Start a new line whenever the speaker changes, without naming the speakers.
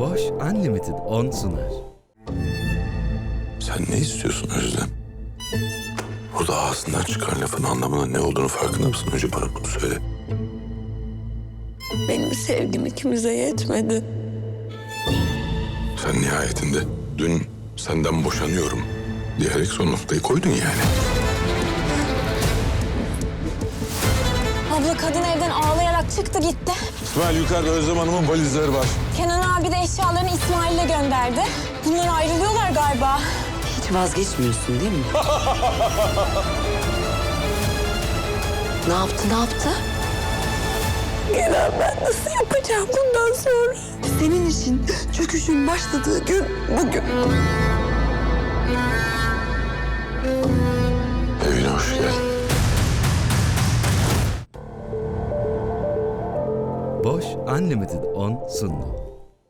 Boş Unlimited 10 sunar.
Sen ne istiyorsun Özlem? Burada ağzından çıkan lafın anlamının ne olduğunu farkında mısın? Önce bana bunu söyle.
Benim sevgim ikimize yetmedi.
Sen nihayetinde dün senden boşanıyorum diyerek son noktayı koydun yani.
Abla kadın evden ağlayarak çıktı gitti.
İsmail yukarıda Özlem Hanım'ın valizleri var.
Kenan abi de eşyalarını İsmail'e gönderdi. Bunlar ayrılıyorlar galiba.
Hiç vazgeçmiyorsun değil mi? Ne yaptı? Kenan, ben nasıl yapacağım bundan sonra? Senin için çöküşün başladığı gün bugün.
Evine hoş geldin.
Boş Unlimited 10 sundu.